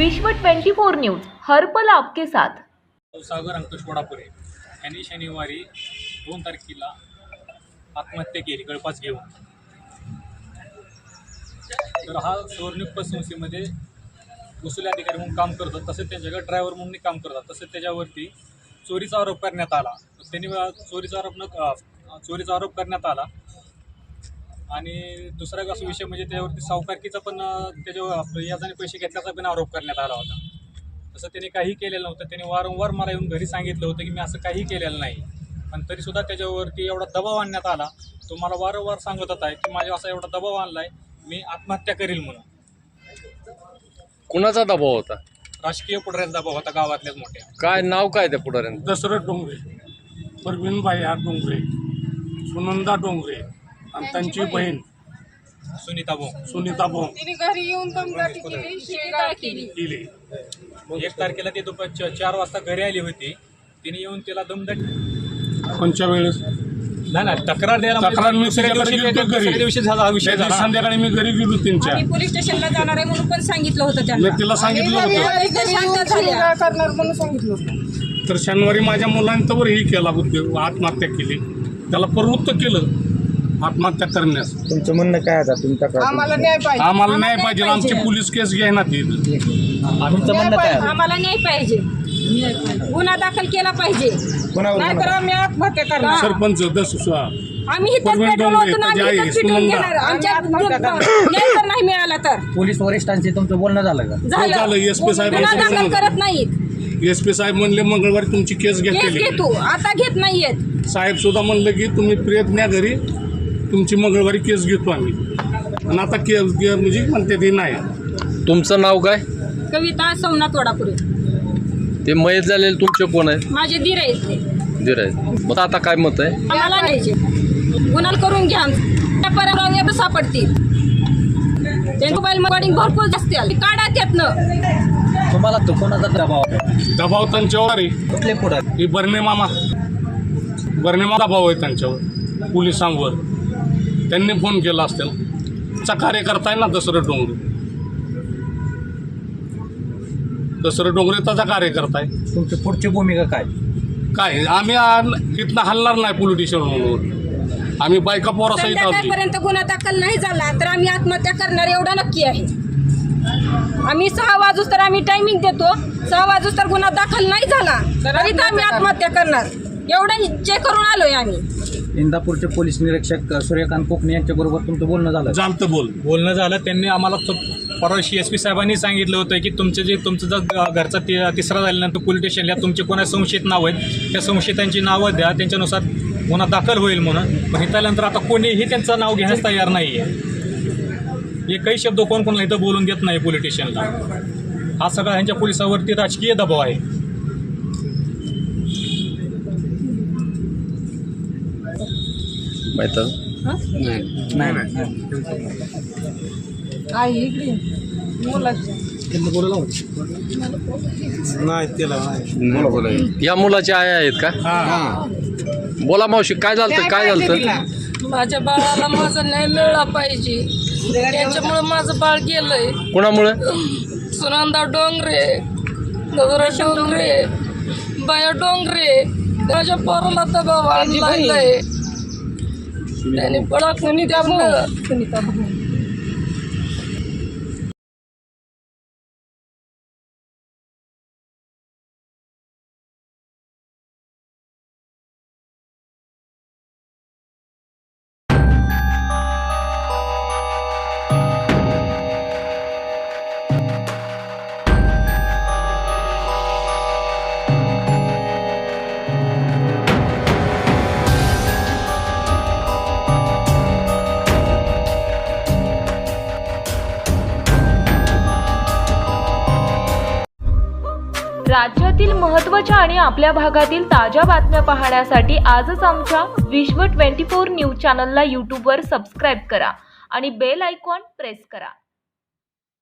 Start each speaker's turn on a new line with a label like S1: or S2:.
S1: विश्व 24 न्यूज हर पल आपके साथ।
S2: सागर अंकुश वडापुरे यांनी शनिवारी 2 तारखेला आत्महत्या केली गळफास घेऊन। तर हा सुवर्णयुक्त संस्थेमध्ये वसुली अधिकारी म्हणून काम करतो, तसेच त्याच्याकडे ड्रायव्हर म्हणून काम करतात। तसेच त्याच्यावरती चोरीचा आरोप करण्यात आला। त्यांनी चोरीचा आरोप करण्यात आला। आणि दुसरा असा विषय म्हणजे त्याच्यावरती सावकारकीचा पण त्याच्यावर याच्याने पैसे घेतल्याचा पण आरोप करण्यात आला होता। तसं त्यांनी काही केलेलं नव्हतं। त्यांनी वारंवार मला येऊन घरी सांगितलं होतं की मी असं काही केलेलं नाही, पण तरीसुद्धा त्याच्यावरती एवढा दबाव आणण्यात आला। तो मला वारंवार सांगत होता की माझ्या असा एवढा दबाव आणलाय, मी आत्महत्या करील म्हणून।
S3: कुणाचा दबाव होता?
S2: राजकीय पुढाऱ्यांचा दबाव होता, गावातल्याच मोठ्या।
S3: काय नाव काय त्या पुढाऱ्यांचं?
S4: दशरथ डोंगरे, परवीनबाई डोंगरे, सुनंदा डोंगरे आणि त्यांची बहीण
S2: सुनीता भोंग
S5: तिने घरी येऊन दमदाटी केली, शिवीगाळ केली।
S2: 1 तारखेला ते दुपार 4 वाजता घरी आली होती। तिने येऊन तिला दमदाटी
S4: कोणत्या वेळेस
S2: नाही तक्रार द्यायला
S4: मी
S2: दुसऱ्या दिवशी झाला हा विषय झाला।
S4: संध्याकाळी मी घरी गेलो त्यांच्या,
S5: आम्ही पोलीस स्टेशनला जाणार आहे म्हणून पण सांगितलं होतं त्यांना।
S4: मी तिला सांगितलं होतं
S5: शांत झाल्या करणार म्हणून सांगितलं होतं।
S4: तर शनिवारी माझ्या मुलांवर ही केला आत्महत्या केली, त्याला प्रवृत्त केलं आत्महत्या करण्यास।
S6: तुमचं म्हणणं काय आता? तुम्ही तक्रार
S5: आम्हाला न्याय पाहिजे,
S4: आम्हाला न्याय पाहिजे। आमची पोलीस केस घ्यायना ती।
S6: तुमचं म्हणणं काय?
S5: आम्हाला न्याय पाहिजे, गुन्हा दाखल केला पाहिजे, नाहीतर आम्ही आत्महत्या करणार।
S4: सरपंच
S5: आम्ही इथेच पेट्रोल ओतून आम्ही इथेच पिटून घेणार। आमच्या न्याय जर नाही मिळाला तर
S6: पोलीस वरिष्ठांशी तुमचं बोलणं झालं का?
S4: झालं। एसपी
S5: गुन्हा दाखल
S4: साहेब
S5: करत नाहीत।
S4: एसपी साहेब म्हणले मंगळवारी तुमची केस
S5: केस
S4: घेतली।
S5: घेतो, आता घेत नाहीयेत।
S4: साहेब सुद्धा म्हणलं की तुम्ही प्रियत न्या घरी, तुमची मंगळवारी केस घेतो आम्ही। आणि आता केस म्हणजे म्हणते ते नाही।
S3: तुमचं नाव काय?
S5: कविता सोमनाथ वडापुरे।
S3: ते मयत झालेले तुमचे कोण आहेत?
S5: माझे दीर आहेत ते।
S3: दीर आहेत। मग आता काय मत आहे?
S5: आम्हाला न्यायचे, गुन्हा करून घ्या। त्या परवानग्या सापडतील, त्यांचे मोबाईल मॉडिंग भरपूर असतील, काढा त्यातनं।
S6: तुम्हाला तो कोणाचा दबाव आहे?
S4: दबाव त्यांच्यावर आहे।
S6: कुठले पुढारी?
S4: ही बर्णे मामा दबाव आहे त्यांच्यावर, पोलिसांवर। त्यांनी फोन केला असतील। चा कार्यकर्ता आहे ना दशरथ डोंगरे त्याचा कार्यकर्ता आहे।
S6: तुमची पुढची भूमिका काय?
S4: काय आम्ही इथनं हलणार नाही पोलिटिशियन म्हणून। आम्ही बायका पोरासहित आहोत।
S5: संध्याकाळपर्यंत गुन्हा दाखल नाही झाला तर आम्ही आत्महत्या करणार, एवढं नक्की आहे। आम्ही 6 वाजूस तर आम्ही टायमिंग देतो, 6 वाजूस तर गुन्हा दाखल नाही झाला तरी तर आम्ही आत्महत्या करणार, एवढं चेक करून आलोय आम्ही।
S6: इंदापूरचे पोलीस निरीक्षक सूर्यकांत कोकणे यांच्याबरोबर तुमचं बोलणं झालं?
S4: जालतं
S2: बोलणं झालं। त्यांनी आम्हाला परवाशी एसपी साहेबांनी सांगितलं होतं की तुमचं जर घरचा तिसरा झाल्यानंतर पोलीस स्टेशनला तुमचे कोणा संशयित नाव आहेत, त्या संशयितांची नावं द्या, त्यांच्यानुसार गुन्हा दाखल होईल म्हणून। पण इथं आल्यानंतर आता कोणीही त्यांचं नाव घेण्यास तयार नाही आहे। एकही शब्द कोणाला इथं बोलून देत नाही पोलीस स्टेशनला। हा सगळा ह्यांच्या पोलिसावरती राजकीय दबाव आहे।
S3: माहित या मुलाचे आई आहेत का? बोला मावशी, काय झालं? काय झालं?
S7: माझ्या बाळाला माझा न्याय मिळाला पाहिजे, त्याच्यामुळे माझं बाळ गेलंय।
S3: कोणामुळे?
S7: सुनंदा डोंगरे, दशरथ डोंगरे, बाया डोंगरे, माझ्या पोराला दबाव आणलाय त्याने बळा सुनीता भोंग।
S1: राज्यातील महत्त्वाच्या आणि आपल्या भागातील ताज्या बातम्या पाहण्यासाठी आजच आमच्या विश्व 24 न्यूज चॅनलला यूट्यूबवर सबस्क्राईब करा आणि बेल आयकॉन प्रेस करा।